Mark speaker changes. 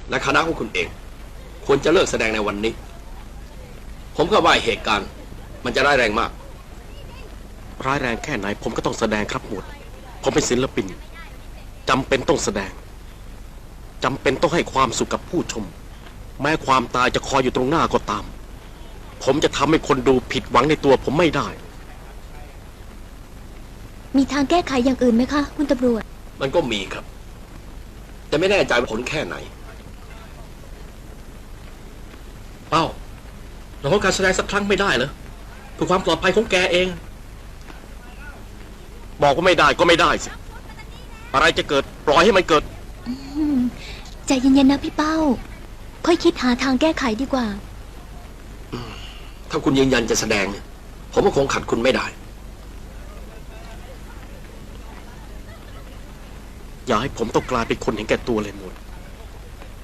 Speaker 1: และคณะของคุณเองควรจะเลิกแสดงในวันนี้ผมก็ว่าเหตุการณ์มันจะร้ายแรงมาก
Speaker 2: ร้ายแรงแค่ไหนผมก็ต้องแสดงครับหมวดผมเป็นศิลปินจำเป็นต้องแสดงจำเป็นต้องให้ความสุขกับผู้ชมแม้ความตายจะคอยอยู่ตรงหน้าก็ตามผมจะทำให้คนดูผิดหวังในตัวผมไม่ได้
Speaker 3: มีทางแก้ไขอย่างอื่นไหมคะคุณตำรวจ
Speaker 1: มันก็มีครับแต่ไม่แน่ใจว่าผลแค่ไหนเป้าเราต้องการแสดงสักครั้งไม่ได้เหรอเพื่อความปลอดภัยของแกเอง
Speaker 2: บอกว่าไม่ได้ก็ไม่ได้สิอะไรจะเกิดปล่อยให้มันเกิด
Speaker 3: ใจเย็นๆนะพี่เป้าค่อยคิดหาทางแก้ไขดีกว่า
Speaker 1: ถ้าคุณยืนยันจะแสดงผมก็คงขัดคุณไม่ได้
Speaker 2: อย่าให้ผมต้องกลายเป็นคนเห็นแก่ตัวเลยหมด